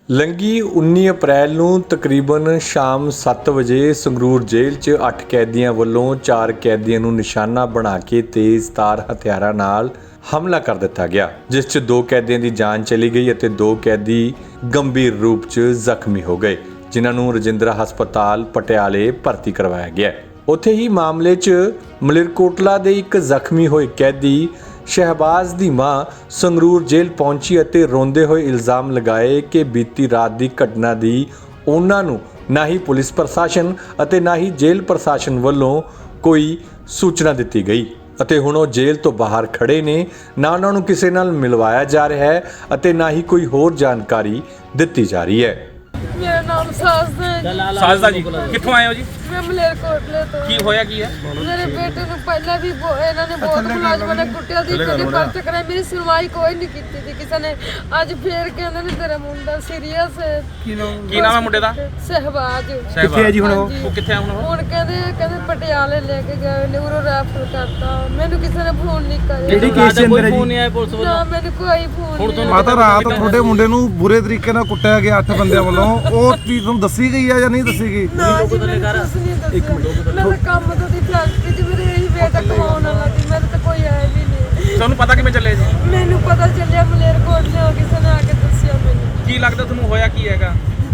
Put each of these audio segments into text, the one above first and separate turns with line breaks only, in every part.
ਲੰਘੀ 19 ਅਪ੍ਰੈਲ ਨੂੰ ਤਕਰੀਬਨ ਸ਼ਾਮ 7 ਵਜੇ ਸੰਗਰੂਰ ਜੇਲ੍ਹ 'ਚ 8 ਕੈਦੀਆਂ ਵੱਲੋਂ 4 ਕੈਦੀਆਂ ਨੂੰ ਨਿਸ਼ਾਨਾ ਬਣਾ ਕੇ ਤੇਜ਼ਧਾਰ ਹਥਿਆਰਾਂ ਨਾਲ ਹਮਲਾ ਕਰ ਦਿੱਤਾ ਗਿਆ, ਜਿਸ 'ਚ 2 ਕੈਦੀਆਂ ਦੀ ਜਾਨ ਚਲੀ ਗਈ ਅਤੇ 2 ਕੈਦੀ ਗੰਭੀਰ ਰੂਪ 'ਚ ਜ਼ਖਮੀ ਹੋ ਗਏ, ਜਿਨ੍ਹਾਂ ਨੂੰ ਰਜਿੰਦਰਾ ਹਸਪਤਾਲ ਪਟਿਆਲੇ ਭਰਤੀ ਕਰਵਾਇਆ ਗਿਆ। ਉੱਥੇ ਹੀ ਮਾਮਲੇ 'ਚ ਮਲੇਰਕੋਟਲਾ ਦੇ ਇੱਕ ਜ਼ਖਮੀ ਹੋਏ ਕੈਦੀ ਸ਼ਹਿਬਾਜ਼ ਦੀ ਮਾਂ ਸੰਗਰੂਰ ਜੇਲ੍ਹ ਪਹੁੰਚੀ ਅਤੇ ਰੋਂਦੇ ਹੋਏ ਇਲਜ਼ਾਮ ਲਗਾਏ ਕਿ ਬੀਤੀ ਰਾਤ ਦੀ ਘਟਨਾ ਦੀ ਉਹਨਾਂ ਨੂੰ ਨਾ ਹੀ ਪੁਲਿਸ ਪ੍ਰਸ਼ਾਸਨ ਅਤੇ ਨਾ ਹੀ ਜੇਲ੍ਹ ਪ੍ਰਸ਼ਾਸਨ ਵੱਲੋਂ ਕੋਈ ਸੂਚਨਾ ਦਿੱਤੀ ਗਈ ਅਤੇ ਹੁਣ ਉਹ ਜੇਲ੍ਹ ਤੋਂ ਬਾਹਰ ਖੜੇ ਨੇ। ਨਾ ਉਹਨਾਂ ਨੂੰ ਕਿਸੇ ਨਾਲ ਮਿਲਵਾਇਆ ਜਾ ਰਿਹਾ ਹੈ ਅਤੇ ਨਾ ਹੀ ਕੋਈ ਹੋਰ ਜਾਣਕਾਰੀ ਦਿੱਤੀ ਜਾ ਰਹੀ ਹੈ।
ਮੇਰਾ ਨਾਮ ਸਾਜਦਾ ਹੈ।
ਸਾਜਦਾ ਜੀ, ਕਿੱਥੋਂ ਆਏ ਹੋ ਜੀ?
ਮੈਂ ਮਲੇਰਕੋਟਲੇ ਤੋਂ।
ਕੀ ਹੋਇਆ ਕੀ ਹੈ?
ਮੇਰੇ ਬੇਟੇ ਨੂੰ ਪਹਿਲਾਂ ਵੀ ਇਹਨਾਂ ਨੇ ਬਹੁਤ ਮੁਲਾਜ਼ਮਾਂ ਨੇ ਕੁੱਟਿਆ ਦੀ, ਕਦੇ ਪਰਚ ਕਰਾਇਆ, ਮੇਰੀ ਸੁਣਵਾਈ ਕੋਈ ਨਹੀਂ ਕੀਤੀ ਸੀ ਕਿਸੇ ਨੇ। ਅੱਜ ਫੇਰ ਕਹਿੰਦੇ ਨੇ ਤੇਰਾ ਮੁੰਡਾ ਸੀਰੀਅਸ ਹੈ।
ਕੀ ਨਾਮ ਹੈ ਮੁੰਡੇ ਦਾ?
ਸ਼ਹਿਬਾਜ਼।
ਕਿੱਥੇ ਹੈ ਜੀ ਹੁਣ ਉਹ ਕਿੱਥੇ ਆ
ਹੁਣ ਕਹਿੰਦੇ ਪਟਿਆਲੇ ਲੈ ਕੇ ਗਏ ਨੇ, ਉਰੋਂ ਰੈਫਰ ਕਰਤਾ। ਮੈਨੂੰ ਕਿਸੇ ਨੇ ਫੋਨ ਨਹੀਂ ਕਰਿਆ।
ਕਿਹੜੀ ਕੇਸ ਦੇ ਅੰਦਰ ਹੈ ਜੀ?
ਫੋਨ ਨਹੀਂ ਆਇਆ ਪੁਲਿਸ ਵੱਲੋਂ?
ਨਾ ਮੈਨੂੰ ਕੋਈ ਫੋਨ ਨਹੀਂ।
ਮਾਤਾ ਰਾਤ ਤੁਹਾਡੇ ਮੁੰਡੇ ਨੂੰ ਬੁਰੇ ਤਰੀਕੇ ਨਾਲ ਕੁੱਟਿਆ ਗਿਆ 8 ਬੰਦਿਆਂ ਵੱਲੋਂ, ਉਹ ਚੀਜ਼ ਤੁਹਾਨੂੰ ਦੱਸੀ ਗਈ ਆ ਜਾਂ ਨਹੀਂ ਦੱਸੀ ਗਈ?
ਨਾ ਜੀ, ਮੈਨੂੰ ਕੁਛ ਨਹੀਂ ਦੱਸਿਆ। ਮੈਂ ਤਾਂ ਕੰਮ ਤੋਂ ਦੀ ਫੈਕਟਰੀ 'ਚ ਮੇਰੇ ਇਹੀ ਬੇਟਾ ਕਮਾਉਣ ਵਾਲਾ ਸੀ, ਮੈਨੂੰ ਤਾਂ ਕੋਈ ਆਇਆ ਵੀ ਨਹੀਂ।
ਤੁਹਾਨੂੰ ਪਤਾ ਕਿਵੇਂ ਚੱਲੇ ਜੀ?
ਮੈਨੂੰ ਪਤਾ ਚੱਲਿਆ ਮਲੇਰਕੋਟਲੇ ਹੋ, ਕਿਸੇ ਨੇ ਆ ਕੇ ਦੱਸਿਆ ਮੈਨੂੰ।
ਕੀ ਲੱਗਦਾ ਤੁਹਾਨੂੰ ਹੋਇਆ ਕੀ ਹੈਗਾ?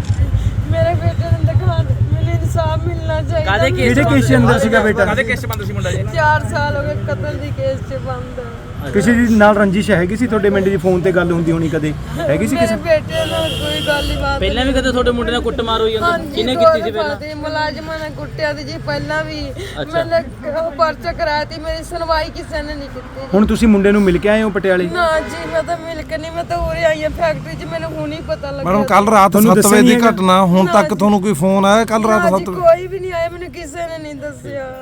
ਮੇਰੇ ਬੇਟੇ ਨੂੰ ਦਿਖਾਣ, ਮੈਨੂੰ ਇਨਸਾਫ ਮਿਲਣਾ ਚਾਹੀਦਾ।
ਕਿਹੜੇ ਕੇਸ ਦੇ ਅੰਦਰ ਸੀਗਾ ਬੇਟਾ?
ਕਾਹਦੇ ਕੇਸ 'ਚ ਬੰਦ ਸੀ ਮੁੰਡਾ ਜੀ?
4 ਸਾਲ ਹੋ ਗਏ ਕਤਲ ਦੀ ਕੇਸ 'ਚ ਬੰਦ ਹੈ।
ਕਿਸੇ ਦੀ ਨਾਲ ਰੰਜਿਸ਼ ਹੈਗੀ ਸੀ ਤੁਹਾਡੇ ਮੁੰਡੇ ਦੀ? ਫੋਨ ਤੇ ਗੱਲ ਹੁੰਦੀ ਹੋਣੀ ਕਦੇ, ਹੈਗੀ ਸੀ ਕਿਸੇ?
ਮੇਰੇ ਬੇਟੇ ਨਾਲ ਕੋਈ ਗੱਲ ਨਹੀਂ ਬਾਤ।
ਪਹਿਲਾਂ ਵੀ ਕਦੇ ਤੁਹਾਡੇ ਮੁੰਡੇ ਨਾਲ ਕੁੱਟਮਾਰ ਹੋਈ ਜਾਂਦੀ? ਕਿਹਨੇ ਕੀਤੀ ਸੀ ਪਹਿਲਾਂ?
ਮੁਲਾਜ਼ਮਾਂ ਨੇ ਕੁੱਟਿਆ ਸੀ ਜੀ ਪਹਿਲਾਂ ਵੀ। ਮੈਨੇ ਉਹ ਪਰਚਾ ਕਰਾਇਆ ਸੀ, ਮੇਰੀ ਸੁਣਵਾਈ ਕਿਸੇ ਨੇ ਨਹੀਂ ਕੀਤੀ।
ਹੁਣ ਤੁਸੀਂ ਮੁੰਡੇ ਨੂੰ ਮਿਲ ਕੇ ਆਏ ਹੋ ਪਟਿਆਲੇ?
ਨਾ ਜੀ, ਮੈਂ ਤਾਂ ਮਿਲ ਕੇ ਨਹੀਂ, ਮੈਂ ਤਾਂ ਉਰੇ ਆਈ ਹਾਂ ਫੈਕਟਰੀ 'ਚ, ਮੈਨੂੰ ਹੁਣ ਹੀ ਪਤਾ ਲੱਗਿਆ।
ਮੈਡਮ ਕੱਲ ਰਾਤ 7 ਵਜੇ ਦੀ ਘਟਨਾ, ਹੁਣ ਤੱਕ ਤੁਹਾਨੂੰ ਕੋਈ ਫੋਨ ਆਇਆ? ਕੱਲ ਰਾਤ 7 ਵਜੇ
ਕੋਈ ਵੀ ਨਹੀਂ ਆਇਆ, ਮੈਨੂੰ ਕਿਸੇ ਨੇ ਨਹੀਂ ਦੱਸਿਆ।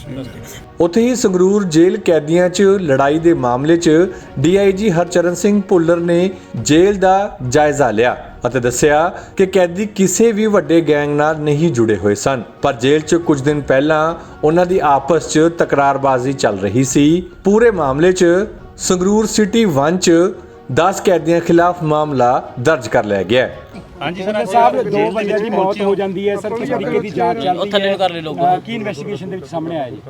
ਉੱਥੇ ਹੀ ਸੰਗਰੂਰ ਜੇਲ੍ਹ ਕੈਦੀਆਂ 'ਚ ਲੜਾਈ ਦੇ ਮਾਮਲੇ 'ਚ ਡੀਆਈਜੀ ਹਰਚਰਨ ਸਿੰਘ ਭੁੱਲਰ ਨੇ ਜੇਲ੍ਹ ਦਾ ਜਾਇਜ਼ਾ ਲਿਆ ਅਤੇ ਦੱਸਿਆ ਕਿ ਕੈਦੀ ਕਿਸੇ ਵੀ ਵੱਡੇ ਗੈਂਗ ਨਾਲ ਨਹੀਂ ਜੁੜੇ ਹੋਏ ਸਨ, ਪਰ ਜੇਲ੍ਹ 'ਚ ਕੁਝ ਦਿਨ ਪਹਿਲਾਂ ਉਹਨਾਂ ਦੀ ਆਪਸ 'ਚ ਤਕਰਾਰਬਾਜ਼ੀ ਚੱਲ ਰਹੀ ਸੀ। ਪੂਰੇ ਮਾਮਲੇ 'ਚ ਸੰਗਰੂਰ ਸਿਟੀ 1 'ਚ 10 ਕੈਦੀਆਂ ਖਿਲਾਫ ਮਾਮਲਾ ਦਰਜ ਕਰ ਲਿਆ ਗਿਆ ਹੈ।
ਹਾਂਜੀ ਸਰ ਸਾਹਿਬ, 2 ਬੰਦਿਆਂ ਦੀ ਮੌਤ ਹੋ ਜਾਂਦੀ ਹੈ ਸਰ, ਕਿਸ ਤਰੀਕੇ ਦੀ ਜਾਂਚ ਚੱਲ ਰਹੀ
ਥੱਲੇ ਨੂੰ ਕਰ ਲੈ ਲੋਕਾਂ
ਕੀ ਇਨਵੈਸਟੀਗੇਸ਼ਨ ਦੇ ਵਿੱਚ ਸਾਹਮਣੇ ਆਇਆ ਜੀ?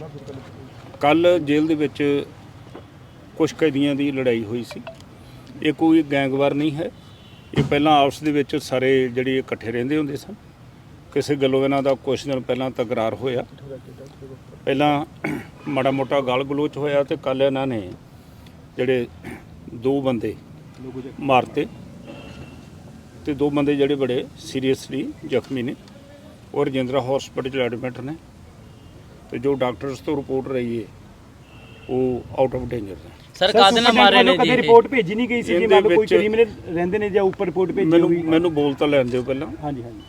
ਕੱਲ ਜੇਲ੍ਹ ਦੇ ਵਿੱਚ ਕੁਝ ਕੈਦੀਆਂ ਦੀ ਲੜਾਈ ਹੋਈ ਸੀ। ਇਹ ਕੋਈ ਗੈਂਗਵਾਰ ਨਹੀਂ ਹੈ, ਇਹ ਪਹਿਲਾਂ ਆਪਸ ਦੇ ਵਿੱਚ ਸਾਰੇ ਜਿਹੜੇ ਇਕੱਠੇ ਰਹਿੰਦੇ ਹੁੰਦੇ ਸਨ। ਕਿਸੇ ਗੱਲੋਂ ਇਹਨਾਂ ਦਾ ਕੁਝ ਦਿਨ ਪਹਿਲਾਂ ਤਕਰਾਰ ਹੋਇਆ, ਪਹਿਲਾਂ ਮਾੜਾ ਮੋਟਾ ਗਾਲ ਗਲੋਚ ਹੋਇਆ ਤੇ ਕੱਲ ਇਹਨਾਂ ਨੇ ਜਿਹੜੇ 2 ਬੰਦੇ ਮਾਰਤੇ ਤੇ 2 ਬੰਦੇ ਜਿਹੜੇ ਬੜੇ ਸੀਰੀਅਸਲੀ ਜ਼ਖਮੀ ਨੇ ਔਰ ਰਜਿੰਦਰਾ ਹਸਪਤਾਲ 'ਚ ਐਡਮਿਟ ਨੇ ਤੇ ਜੋ ਡਾਕਟਰਸ ਤੋਂ ਰਿਪੋਰਟ ਰਹੀ ਹੈ ਉਹ ਆਊਟ ਆਫ ਡੇਂਜਰ ਨੇ।
ਸਰ ਕਾਹਦੇ ਨਾਲ ਮਾਰੇ ਨੇ ਜੀ?
ਕਦੇ ਰਿਪੋਰਟ ਭੇਜੀ ਨਹੀਂ ਗਈ ਸੀ ਕਿ ਮੰਨ ਲਓ ਕੋਈ ਕ੍ਰਿਮੀਨਲ ਰਹਿੰਦੇ ਨੇ ਜਾਂ ਉੱਪਰ ਰਿਪੋਰਟ ਭੇਜੀ ਹੋਈ?
ਮੈਨੂੰ ਬੋਲ ਤਾਂ ਲੈਣ ਦਿਓ ਪਹਿਲਾਂ।
ਹਾਂਜੀ ਹਾਂਜੀ।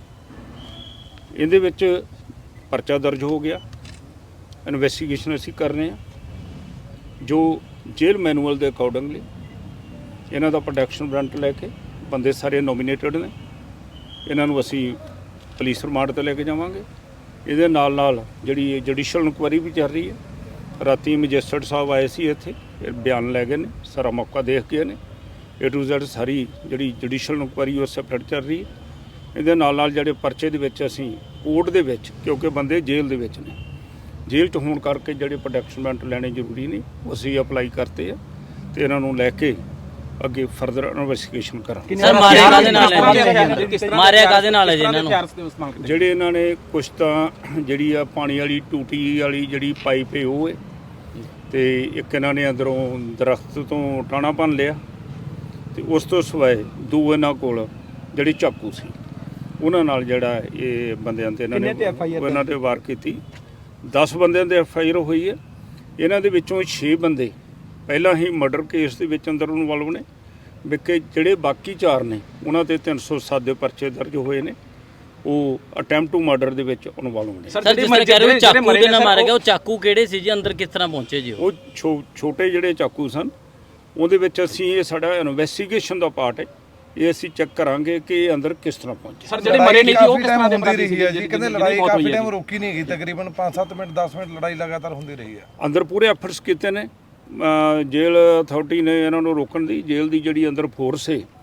ਇਹਦੇ ਵਿੱਚ ਪਰਚਾ ਦਰਜ ਹੋ ਗਿਆ, ਇਨਵੈਸਟੀਗੇਸ਼ਨ ਅਸੀਂ ਕਰ ਰਹੇ ਹਾਂ ਜੋ ਜੇਲ੍ਹ ਮੈਨੂਅਲ ਦੇ ਅਕੋਰਡਿੰਗਲੀ। ਇਹਨਾਂ ਦਾ ਪ੍ਰੋਟੈਕਸ਼ਨ ਵਾਰੰਟ ਲੈ ਕੇ ਬੰਦੇ ਸਾਰੇ ਨੋਮੀਨੇਟਡ ਨੇ, ਇਹਨਾਂ ਨੂੰ ਅਸੀਂ ਪੁਲਿਸ ਰਿਮਾਂਡ 'ਤੇ ਲੈ ਕੇ ਜਾਵਾਂਗੇ। ਇਹਦੇ ਨਾਲ ਨਾਲ ਜਿਹੜੀ ਜੁਡੀਸ਼ੀਅਲ ਇਨਕੁਆਇਰੀ ਵੀ ਚੱਲ ਰਹੀ ਹੈ। ਰਾਤੀ ਮੈਜਿਸਟਰੇਟ ਸਾਹਿਬ ਆਏ ਸੀ ਇੱਥੇ, ਇਹ ਬਿਆਨ ਲੈ ਗਏ ਨੇ, ਸਾਰਾ ਮੌਕਾ ਦੇਖ ਗਏ ਨੇ। A to Z ਸਾਰੀ ਜਿਹੜੀ ਜੁਡੀਸ਼ੀਅਲ ਇਨਕੁਆਇਰੀ ਉਹ ਸੈਪਰੇਟ ਚੱਲ ਰਹੀ ਹੈ। ਇਹਦੇ ਨਾਲ ਨਾਲ ਜਿਹੜੇ ਪਰਚੇ ਦੇ ਵਿੱਚ ਅਸੀਂ ਕੋਰਟ ਦੇ ਵਿੱਚ, ਕਿਉਂਕਿ ਬੰਦੇ ਜੇਲ੍ਹ ਦੇ ਵਿੱਚ ਨੇ, ਜੇਲ੍ਹ 'ਚ ਹੋਣ ਕਰਕੇ ਜਿਹੜੇ ਪ੍ਰੋਟੈਕਸ਼ਨ ਵਾਰੰਟ ਲੈਣੇ ਜ਼ਰੂਰੀ ਨੇ ਉਹ ਅਸੀਂ ਅਪਲਾਈ ਕਰਤੇ ਆ ਤੇ ਇਹਨਾਂ ਨੂੰ ਲੈ ਕੇ ਅੱਗੇ ਫਰਦਰ ਇਨਵੈਸਟੀਗੇਸ਼ਨ ਕਰਾਂਗੇ।
ਸਰ ਮਾਰਿਆ ਕਾਹਦੇ ਨਾਲ ਹੈ? ਮਾਰਿਆ ਕਾਹਦੇ ਨਾਲ ਹੈ ਜੀ ਇਹਨਾਂ ਨੂੰ?
ਜਿਹੜੇ ਇਹਨਾਂ ਨੇ ਕੁਛ ਤਾਂ ਜਿਹੜੀ ਆ ਪਾਣੀ ਵਾਲੀ ਟੂਟੀ ਵਾਲੀ ਜਿਹੜੀ ਪਾਈਪ ਹੈ ਉਹ ਹੈ ਤੇ ਇੱਕ ਇਹਨਾਂ ਨੇ ਅੰਦਰੋਂ ਦਰਖਤ ਤੋਂ ਟਾਣਾ ਭੰਨ ਲਿਆ ਤੇ ਉਸ ਤੋਂ ਸਿਵਾਏ 2 ਇਹਨਾਂ ਕੋਲ ਜਿਹੜੇ ਚਾਕੂ ਸੀ ਉਹਨਾਂ ਨਾਲ ਜਿਹੜਾ ਇਹ ਬੰਦਿਆਂ ਤੇ ਇਹਨਾਂ ਤੇ ਵਾਰ ਕੀਤੀ। 10 ਬੰਦਿਆਂ ਦੇ FIR ਹੋਈ ਹੈ। ਇਹਨਾਂ ਦੇ ਵਿੱਚੋਂ 6 ਬੰਦੇ ਪਹਿਲਾਂ ਹੀ ਮਰਡਰ ਕੇਸ ਦੇ ਵਿੱਚ ਅੰਦਰ ਇਨਵੋਲਵ ਨੇ, ਵਿਕੇ ਜਿਹੜੇ ਬਾਕੀ 4 ਨੇ ਉਹਨਾਂ ਤੇ 307 ਦੇ ਪਰਚੇ ਦਰਜ ਹੋਏ ਨੇ, ਉਹ ਅਟੈਂਪਟ ਟੂ ਮਰਡਰ ਦੇ ਵਿੱਚ ਇਨਵੋਲਵ ਨੇ।
ਸਰ ਜਿਸ ਤਰ੍ਹਾਂ ਕਹਿ ਰਹੇ ਹੋ ਚਾਕੂ ਦੇ ਨਾਲ ਮਾਰਿਆ ਗਿਆ, ਉਹ ਚਾਕੂ ਕਿਹੜੇ ਸੀ ਜੀ? ਅੰਦਰ ਕਿਸ ਤਰ੍ਹਾਂ ਪਹੁੰਚੇ ਜੀ?
ਉਹ ਛੋਟੇ ਜਿਹੜੇ ਚਾਕੂ ਸਨ ਉਹਦੇ ਵਿੱਚ ਅਸੀਂ, ਇਹ ਸਾਡਾ ਇਨਵੈਸਟੀਗੇਸ਼ਨ ਦਾ ਪਾਰਟ ਹੈ, ਇਹ ਅਸੀਂ ਚੈੱਕ ਕਰਾਂਗੇ ਕਿ ਇਹ ਅੰਦਰ ਕਿਸ ਤਰ੍ਹਾਂ ਪਹੁੰਚੇ।
ਸਰ ਜਿਹੜੇ ਮਰੇ ਨਹੀਂ ਸੀ ਉਹ ਕਿਸ ਤਰ੍ਹਾਂ ਦੇ
ਹੁੰਦੀ ਰਹੀ ਹੈ ਜੀ? ਕਹਿੰਦੇ ਲੜਾਈ ਕਾਫੀ ਟਾਈਮ ਰੁਕੀ ਨਹੀਂ ਗਈ, ਤਕਰੀਬਨ 5-7 ਮਿੰਟ 10 ਮਿੰਟ ਲੜਾਈ ਲਗਾਤਾਰ ਹੁੰਦੀ ਰਹੀ ਹੈ।
ਅੰਦਰ ਪੂਰੇ ਐਫਰਟਸ ਕੀਤੇ ਨੇ ਜੇਲ੍ਹ ਅਥਾਰਟੀ ਨੇ ਇਹਨਾਂ ਨੂੰ ਰੋਕਣ ਦੀ। ਜੇਲ੍ਹ ਦੀ ਜਿਹੜੀ ਅੰਦਰ ਫੋਰਸ ਹੈ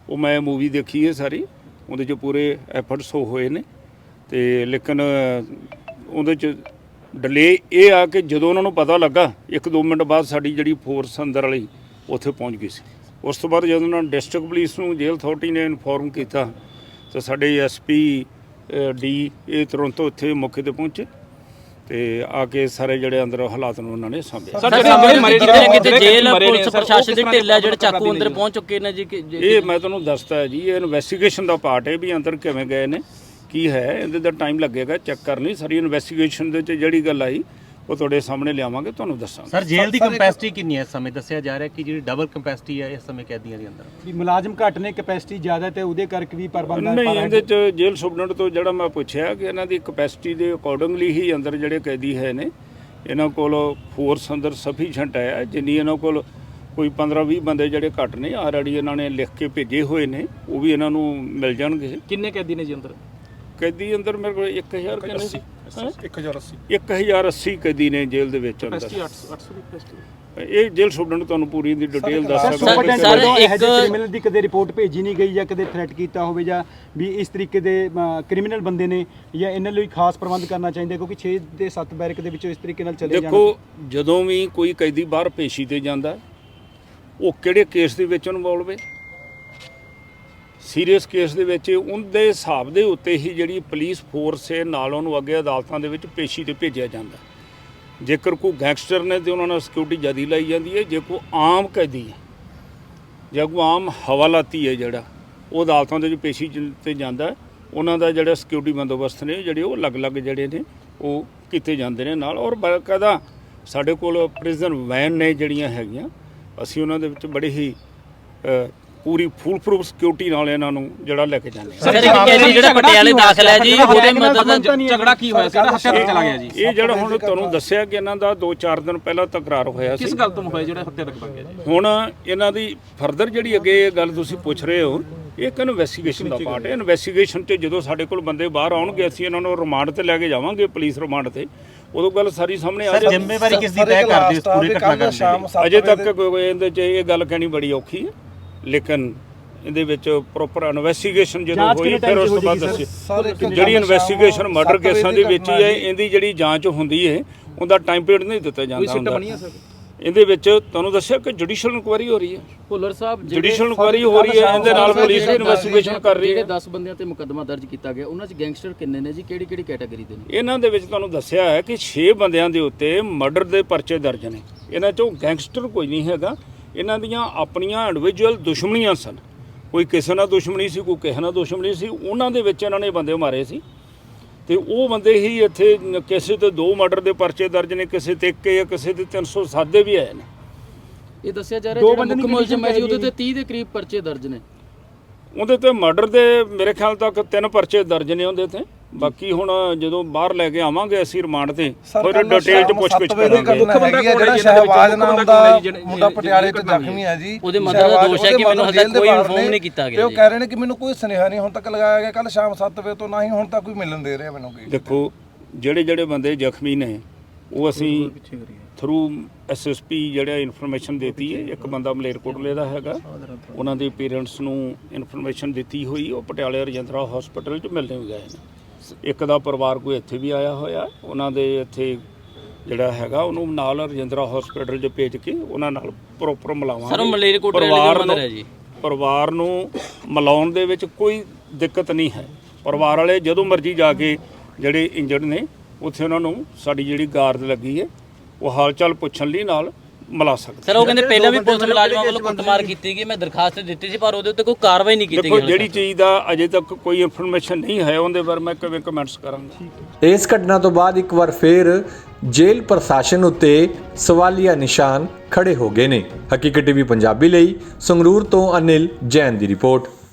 ਉਹ ਮੈਂ ਮੂਵੀ ਦੇਖੀ ਹੈ ਸਾਰੀ, ਉਹਦੇ 'ਚ ਪੂਰੇ ਐਫਰਟਸ ਹੋਏ ਨੇ ਤੇ ਲੇਕਿਨ ਉਹਦੇ 'ਚ ਡਿਲੇ ਇਹ ਆ ਕਿ ਜਦੋਂ ਉਹਨਾਂ ਨੂੰ ਪਤਾ ਲੱਗਾ 1-2 ਮਿੰਟ ਬਾਅਦ ਸਾਡੀ ਜਿਹੜੀ ਫੋਰਸ ਅੰਦਰ ਵਾਲੀ ਉੱਥੇ ਪਹੁੰਚ ਗਈ ਸੀ। ਉਸ ਤੋਂ ਬਾਅਦ ਜਦੋਂ ਉਹਨਾਂ ਨੇ ਡਿਸਟ੍ਰਿਕਟ ਪੁਲਿਸ ਨੂੰ ਜੇਲ੍ਹ ਅਥਾਰਟੀ ਨੇ ਇਨਫੋਰਮ ਕੀਤਾ ਤਾਂ ਸਾਡੇ ਐਸਪੀ ਡੀ ਇਹ ਤੁਰੰਤ ਉੱਥੇ ਮੌਕੇ ਤੇ ਪਹੁੰਚੇ ਤੇ ਆ ਕੇ ਸਾਰੇ ਜਿਹੜੇ ਅੰਦਰ ਹਾਲਾਤ ਨੂੰ ਉਹਨਾਂ ਨੇ ਸਾਂਭਿਆ।
ਸਰ ਕਿਤੇ ਜੇਲ੍ਹ ਪੁਲਿਸ ਪ੍ਰਸ਼ਾਸਨ ਦੇ ਢਿੱਲਾ ਜਿਹੜੇ ਚਾਕੂ ਅੰਦਰ ਪਹੁੰਚ ਚੁੱਕੇ ਨੇ ਜੀ
ਇਹ ਮੈਂ ਤੁਹਾਨੂੰ ਦੱਸਦਾ ਹੈ ਜੀ, ਇਹ ਇਨਵੈਸਟੀਗੇਸ਼ਨ ਦਾ ਪਾਰਟ ਹੈ ਵੀ ਅੰਦਰ ਕਿਵੇਂ ਗਏ ਨੇ ਕੀ ਹੈ, ਇਹਦੇ ਦਾ ਟਾਈਮ ਲੱਗੇਗਾ ਚੈੱਕ ਕਰਨ ਲਈ। ਸਾਰੀ ਇਨਵੈਸਟੀਗੇਸ਼ਨ ਦੇ ਵਿੱਚ ਜਿਹੜੀ ਗੱਲ ਆਈ ਉਹ ਤੁਹਾਡੇ ਸਾਹਮਣੇ ਲਿਆਵਾਂਗੇ, ਤੁਹਾਨੂੰ ਦੱਸਾਂਗੇ।
ਸਰ ਜੇਲ੍ਹ ਦੀ ਕੰਪੈਸਿਟੀ ਕਿੰਨੀ ਹੈ ਇਸ ਸਮੇਂ? ਦੱਸਿਆ ਜਾ ਰਿਹਾ ਕਿ ਜਿਹੜੀ ਡਬਲ ਕੰਪੈਸਿਟੀ ਹੈ ਇਸ ਸਮੇਂ ਕੈਦੀਆਂ ਦੇ ਅੰਦਰ
ਵੀ ਮੁਲਾਜ਼ਮ ਘੱਟ ਨੇ, ਕੈਪੈਸਿਟੀ ਜ਼ਿਆਦਾ ਤੇ ਉਹਦੇ ਕਰਕੇ ਵੀ ਪ੍ਰਬੰਧ
ਨਹੀਂ, ਇਹਦੇ 'ਚ ਜੇਲ੍ਹ ਸੁਪਰਡੈਂਟ ਤੋਂ ਜਿਹੜਾ ਮੈਂ ਪੁੱਛਿਆ ਕਿ ਇਹਨਾਂ ਦੀ ਕਪੈਸਿਟੀ ਦੇ ਅਕੋਰਡਿੰਗਲੀ ਹੀ ਅੰਦਰ ਜਿਹੜੇ ਕੈਦੀ ਹੈ ਨੇ, ਇਹਨਾਂ ਕੋਲ ਫੋਰਸ ਅੰਦਰ ਸਫੀਸ਼ੀਐਂਟ ਹੈ। ਜਿੰਨੀ ਇਹਨਾਂ ਕੋਲ ਕੋਈ 15-20 ਬੰਦੇ ਜਿਹੜੇ ਘੱਟ ਨੇ ਆਲਰੇਡੀ ਇਹਨਾਂ ਨੇ ਲਿਖ ਕੇ ਭੇਜੇ ਹੋਏ ਨੇ, ਉਹ ਵੀ ਇਹਨਾਂ ਨੂੰ ਮਿਲ ਜਾਣਗੇ।
ਕਿੰਨੇ ਕੈਦੀ ਨੇ ਜੀ ਅੰਦਰ?
ਕੈਦੀ ਅੰਦਰ ਮੇਰੇ ਕੋਲ 1080 ਕੈਦੀ ਨੇ ਜੇਲ੍ਹ ਦੇ ਵਿੱਚ ਅੰਦਰ। ਇਹ ਜੇਲ੍ਹ ਸੁਪਰਡੈਂਟ ਤੁਹਾਨੂੰ ਪੂਰੀ ਦੀ ਡਿਟੇਲ ਦੱਸ ਸਕਦਾ।
ਸਰ ਇੱਕ ਕ੍ਰਿਮੀਨਲ ਦੀ ਕਦੇ ਰਿਪੋਰਟ ਭੇਜੀ ਨਹੀਂ ਗਈ ਜਾਂ ਕਦੇ ਥ੍ਰੈਟ ਕੀਤਾ ਹੋਵੇ ਜਾਂ ਵੀ ਇਸ ਤਰੀਕੇ ਦੇ ਕ੍ਰਿਮੀਨਲ ਬੰਦੇ ਨੇ ਜਾਂ ਇਹਨਾਂ ਲਈ ਖਾਸ ਪ੍ਰਬੰਧ ਕਰਨਾ ਚਾਹੀਦਾ ਕਿਉਂਕਿ 6 ਦੇ 7 ਬੈਰਕ ਦੇ ਵਿੱਚੋਂ ਇਸ ਤਰੀਕੇ ਨਾਲ ਚਲੇ ਜਾਣ।
ਦੇਖੋ ਜਦੋਂ ਵੀ ਕੋਈ ਕੈਦੀ ਬਾਹਰ ਪੇਸ਼ੀ ਤੇ ਜਾਂਦਾ ਉਹ ਕਿਹੜੇ ਕੇਸ ਦੇ ਵਿੱਚ ਇਨਵੋਲਵ ਹੈ, ਸੀਰੀਅਸ ਕੇਸ ਦੇ ਵਿੱਚ ਉਹਦੇ ਹਿਸਾਬ ਦੇ ਉੱਤੇ ਹੀ ਜਿਹੜੀ ਪੁਲਿਸ ਫੋਰਸ ਹੈ ਨਾਲ ਉਹਨੂੰ ਅੱਗੇ ਅਦਾਲਤਾਂ ਦੇ ਵਿੱਚ ਪੇਸ਼ੀ ਤੇ ਭੇਜਿਆ ਜਾਂਦਾ। ਜੇਕਰ ਕੋਈ ਗੈਂਗਸਟਰ ਨੇ ਤੇ ਉਹਨਾਂ ਨਾਲ ਸਿਕਿਉਰਿਟੀ ਜ਼ਿਆਦਾ ਲਾਈ ਜਾਂਦੀ ਹੈ, ਜੇ ਕੋਈ ਆਮ ਕੈਦੀ ਹੈ ਜਾਂ ਕੋਈ ਆਮ ਹਵਾਲਾਤੀ ਹੈ ਜਿਹੜਾ ਉਹ ਅਦਾਲਤਾਂ ਦੇ ਵਿੱਚ ਪੇਸ਼ੀ ਤੇ ਜਾਂਦਾ, ਉਹਨਾਂ ਦਾ ਜਿਹੜਾ ਸਿਕਿਉਰਿਟੀ ਬੰਦੋਬਸਤ ਨੇ ਜਿਹੜੇ ਉਹ ਅਲੱਗ-ਅਲੱਗ ਜਿਹੜੇ ਨੇ ਉਹ ਕੀਤੇ ਜਾਂਦੇ ਨੇ ਨਾਲ। ਔਰ ਬਾਕਾਇਦਾ ਸਾਡੇ ਕੋਲ ਪ੍ਰਿਜ਼ਨ ਵੈਨ ਨੇ ਜਿਹੜੀਆਂ ਹੈਗੀਆਂ, ਅਸੀਂ ਉਹਨਾਂ ਦੇ ਵਿੱਚ ਬੜੇ ਹੀ ਪੂਰੀ ਫੁੱਲ ਪ੍ਰੂਫ ਸਿਕਿਉਰਿਟੀ ਨਾਲ ਇਹਨਾਂ ਨੂੰ ਜਿਹੜਾ ਲੈ ਕੇ ਜਾਂਦੇ।
ਸਰ ਇੱਕ ਕੈਦੀ ਜਿਹੜਾ ਪਟਿਆਲੇ ਦਾਖਲ ਹੈ ਜੀ, ਉਹਦੇ ਮਦਦ
ਝਗੜਾ ਕੀ ਹੋਇਆ ਸੀ? ਹੱਥਿਆ ਤੱਕ ਚਲਾ ਗਿਆ ਜੀ।
ਇਹ ਜਿਹੜਾ ਹੁਣ ਤੁਹਾਨੂੰ ਦੱਸਿਆ ਕਿ ਇਹਨਾਂ ਦਾ 2-4 ਦਿਨ ਪਹਿਲਾਂ ਤਕਰਾਰ ਹੋਇਆ ਸੀ।
ਕਿਸ ਗੱਲ ਤੋਂ ਹੋਇਆ ਜਿਹੜਾ ਹੱਥਿਆ ਤੱਕ ਬਣ ਗਿਆ ਜੀ?
ਹੁਣ ਇਹਨਾਂ ਦੀ ਫਰਦਰ ਜਿਹੜੀ ਅੱਗੇ ਇਹ ਗੱਲ ਤੁਸੀਂ ਪੁੱਛ ਰਹੇ ਹੋ, ਇਹ ਇੱਕ ਇਨਵੈਸਟੀਗੇਸ਼ਨ ਦਾ ਪਾਰਟ ਹੈ। ਇਨਵੈਸਟੀਗੇਸ਼ਨ 'ਚ ਜਦੋਂ ਸਾਡੇ ਕੋਲ ਬੰਦੇ ਬਾਹਰ ਆਉਣਗੇ ਅਸੀਂ ਇਹਨਾਂ ਨੂੰ ਰਿਮਾਂਡ ਤੇ ਲੈ ਕੇ ਜਾਵਾਂਗੇ, ਪੁਲਿਸ ਰਿਮਾਂਡ ਤੇ, ਉਦੋਂ ਗੱਲ ਸਾਰੀ ਸਾਹਮਣੇ ਆ ਜਾਏਗੀ।
ਜ਼ਿੰਮੇਵਾਰੀ ਕਿਸ ਦੀ ਤੈਅ ਕਰਦੇ ਇਸ ਪੂਰੇ ਘਟਨਾਕ੍ਰਮ ਦੀ?
ਅਜੇ ਤੱਕ ਇਹਦੇ 'ਚ ਇਹ ਗੱਲ ਕਹਿਣੀ ਬੜੀ ਔਖੀ ਹੈ, ਲੇਕਿਨ ਇਹਦੇ ਵਿੱਚ ਪ੍ਰੋਪਰ ਇਨਵੈਸਟੀਗੇਸ਼ਨ ਜਦੋਂ ਹੋਈ ਫਿਰ ਉਸ ਤੋਂ ਬਾਅਦ ਦੱਸਿਓ। ਜਿਹੜੀ ਇਨਵੈਸਟੀਗੇਸ਼ਨ ਮਰਡਰ ਕੇਸਾਂ ਦੇ ਵਿੱਚ ਹੀ ਹੈ, ਇਹਦੀ ਜਿਹੜੀ ਜਾਂਚ ਹੁੰਦੀ ਹੈ ਉਹਦਾ ਟਾਈਮ ਪੀਰੀਅਡ ਨਹੀਂ ਦਿੱਤਾ ਜਾਂਦਾ ਹੁੰਦਾ। ਇਹਦੇ ਵਿੱਚ ਤੁਹਾਨੂੰ ਦੱਸਿਆ ਕਿ ਜੁਡੀਸ਼ੀਅਲ ਇਨਕੁਆਇਰੀ ਹੋ ਰਹੀ ਹੈ।
ਭੁੱਲਰ ਸਾਹਿਬ
ਜੁਡੀਸ਼ੀਅਲ ਇਨਕੁਆਇਰੀ ਹੋ ਰਹੀ ਹੈ, ਇਹਦੇ ਨਾਲ ਪੁਲਿਸ ਵੀ ਇਨਵੈਸਟੀਗੇਸ਼ਨ ਕਰ ਰਹੀ ਹੈ।
ਜਿਹੜੇ 10 ਬੰਦਿਆਂ ਤੇ ਮੁਕੱਦਮਾ ਦਰਜ ਕੀਤਾ ਗਿਆ ਉਹਨਾਂ 'ਚ ਗੈਂਗਸਟਰ ਕਿੰਨੇ ਨੇ ਜੀ, ਕਿਹੜੀ ਕੈਟਾਗਰੀ ਦੇ ਨੇ?
ਇਹਨਾਂ ਦੇ ਵਿੱਚ ਤੁਹਾਨੂੰ ਦੱਸਿਆ ਹੈ ਕਿ 6 ਬੰਦਿਆਂ ਦੇ ਉੱਤੇ ਮਰਡਰ ਦੇ ਪਰਚੇ ਦਰਜ ਨੇ। ਇਹਨਾਂ 'ਚੋਂ ਗੈਂਗਸਟਰ ਕੋਈ ਨਹੀਂ ਹੈਗਾ, ਇਹਨਾਂ ਦੀਆਂ ਆਪਣੀਆਂ ਇੰਡੀਵਿਜੂਅਲ ਦੁਸ਼ਮਣੀਆਂ ਸਨ। ਕੋਈ ਕਿਸੇ ਨਾਲ ਦੁਸ਼ਮਣੀ ਸੀ, ਕੋਈ ਕਿਸੇ ਨਾਲ ਦੁਸ਼ਮਣੀ ਸੀ, ਉਹਨਾਂ ਦੇ ਵਿੱਚ ਇਹਨਾਂ ਨੇ ਬੰਦੇ ਮਾਰੇ ਸੀ ਤੇ ਉਹ ਬੰਦੇ ਹੀ ਇੱਥੇ ਕਿਸੇ ਤੇ 2 ਮਰਡਰ ਦੇ ਪਰਚੇ ਦਰਜ ਨੇ, ਕਿਸੇ ਤੇ 1 ਜਾਂ ਕਿਸੇ ਤੇ 307 ਦੇ ਵੀ ਆਏ ਨੇ।
ਇਹ ਦੱਸਿਆ ਜਾ ਰਿਹਾ ਜਿਹੜਾ ਮੁੱਖ ਮੁਲਜ਼ਮ ਹੈ ਜੀ ਉਹਦੇ ਤੇ 30 ਦੇ ਕਰੀਬ ਪਰਚੇ ਦਰਜ ਨੇ।
ਉਹਦੇ ਤੇ ਮਰਡਰ ਦੇ ਮੇਰੇ ਖਿਆਲ ਤੱਕ 3 ਪਰਚੇ ਦਰਜ ਨੇ ਉਹਦੇ ਤੇ। ਬਾਕੀ ਹੁਣ ਜਦੋਂ ਬਾਹਰ ਲੈ ਕੇ ਆਵਾਂਗੇ ਅਸੀਂ ਰਿਮਾਂਡ ਤੇ ਫਿਰ ਡਿਟੇਲ 'ਚ ਪੁੱਛ-ਗਿੱਛ ਕਰਾਂਗੇ।
ਜਿਹੜਾ ਸ਼ਹਿਬਾਜ਼ ਨਾਮ ਦਾ ਮੁੰਡਾ ਪਟਿਆਲੇ 'ਚ ਜ਼ਖਮੀ ਹੈ ਜੀ,
ਉਹਦੇ ਮਦਰ ਦਾ ਦੋਸ਼ ਹੈ ਕਿ ਮੈਨੂੰ ਹਜੇ ਕੋਈ ਇਨਫੋਰਮ ਨਹੀਂ ਕੀਤਾ ਗਿਆ।
ਤੇ ਉਹ ਕਹਿ ਰਹੇ ਨੇ ਕਿ ਮੈਨੂੰ ਕੋਈ ਸੁਨੇਹਾ ਨਹੀਂ ਹੁਣ ਤੱਕ ਲਗਾਇਆ ਗਿਆ, ਕੱਲ ਸ਼ਾਮ 7 ਵਜੇ ਤੋਂ ਨਾ ਹੀ ਹੁਣ ਤੱਕ ਕੋਈ ਮਿਲਣ ਦੇ ਰਿਹਾ ਮੈਨੂੰ।
ਦੇਖੋ ਜਿਹੜੇ ਬੰਦੇ ਜ਼ਖਮੀ ਨੇ ਉਹ ਅਸੀਂ ਥਰੂ ਐਸਐਸਪੀ ਜਿਹੜਾ ਇਨਫੋਰਮੇਸ਼ਨ ਦਿੱਤੀ ਹੈ। ਇੱਕ ਬੰਦਾ ਮਲੇਰਕੋਟਲੇ ਦਾ ਹੈਗਾ, ਉਹਨਾਂ ਦੇ ਪੇਰੈਂਟਸ ਨੂੰ ਇਨਫੋਰਮੇਸ਼ਨ ਦਿੱਤੀ ਹੋਈ, ਉਹ ਪਟਿਆਲੇ ਰਜਿੰਦਰਾ ਹਸਪੀਟਲ 'ਚ ਮਿਲਣੇ ਗਏ ਨੇ। ਇੱਕ ਦਾ ਪਰਿਵਾਰ ਕੋਈ ਇੱਥੇ ਵੀ ਆਇਆ ਹੋਇਆ, ਉਹਨਾਂ ਦੇ ਇੱਥੇ ਜਿਹੜਾ ਹੈਗਾ ਉਹਨੂੰ ਨਾਲ ਰਜਿੰਦਰਾ ਹਸਪੀਟਲ 'ਚ ਭੇਜ ਕੇ ਉਹਨਾਂ ਨਾਲ ਪ੍ਰੋਪਰ ਮਿਲਾਵਾਂਗੇ।
ਸਰ ਮਲੇਰਕੋਟਲੇ ਦਾ ਮੰਦਰ ਹੈ ਜੀ,
ਪਰਿਵਾਰ ਨੂੰ ਮਿਲਾਉਣ ਦੇ ਵਿੱਚ ਕੋਈ ਦਿੱਕਤ ਨਹੀਂ ਹੈ। ਪਰਿਵਾਰ ਵਾਲੇ ਜਦੋਂ ਮਰਜ਼ੀ ਜਾ ਕੇ ਜਿਹੜੇ ਇੰਜਰਡ ਨੇ ਉੱਥੇ ਉਹਨਾਂ ਨੂੰ ਸਾਡੀ ਜਿਹੜੀ ਗਾਰਡ ਲੱਗੀ ਹੈ ਉਹ ਹਾਲ ਚਾਲ ਪੁੱਛਣ ਲਈ ਨਾਲ ਮਿਲਾ ਸਕਦੇ।
ਸਰ ਉਹ ਕਹਿੰਦੇ ਪਹਿਲਾਂ ਵੀ ਪੁਲਿਸ ਮੁਲਾਜ਼ਮਾਂ ਵੱਲੋਂ ਕੁੱਟਮਾਰ ਕੀਤੀ ਗਈ, ਮੈਂ ਦਰਖਾਸਤ ਦਿੱਤੀ ਸੀ ਪਰ ਉਹਦੇ ਉੱਤੇ ਕੋਈ ਕਾਰਵਾਈ ਨਹੀਂ ਕੀਤੀ ਗਈ।
ਦੇਖੋ ਜਿਹੜੀ ਚੀਜ਼ ਦਾ ਅਜੇ ਤੱਕ ਕੋਈ ਇਨਫੋਰਮੇਸ਼ਨ ਨਹੀਂ ਹੈ ਉਹਦੇ ਬਾਰੇ ਮੈਂ ਕਿਵੇਂ ਕਮੈਂਟਸ ਕਰਾਂਗਾ।
ਇਸ ਘਟਨਾ ਤੋਂ ਬਾਅਦ ਇੱਕ ਵਾਰ ਫੇਰ ਜੇਲ੍ਹ ਪ੍ਰਸ਼ਾਸਨ ਉੱਤੇ ਸਵਾਲੀਆ ਨਿਸ਼ਾਨ ਖੜੇ ਹੋ ਗਏ ਨੇ। ਹਕੀਕਤ ਟੀਵੀ ਪੰਜਾਬੀ ਲਈ ਸੰਗਰੂਰ ਤੋਂ ਅਨਿਲ ਜੈਨ ਦੀ ਰਿਪੋਰਟ।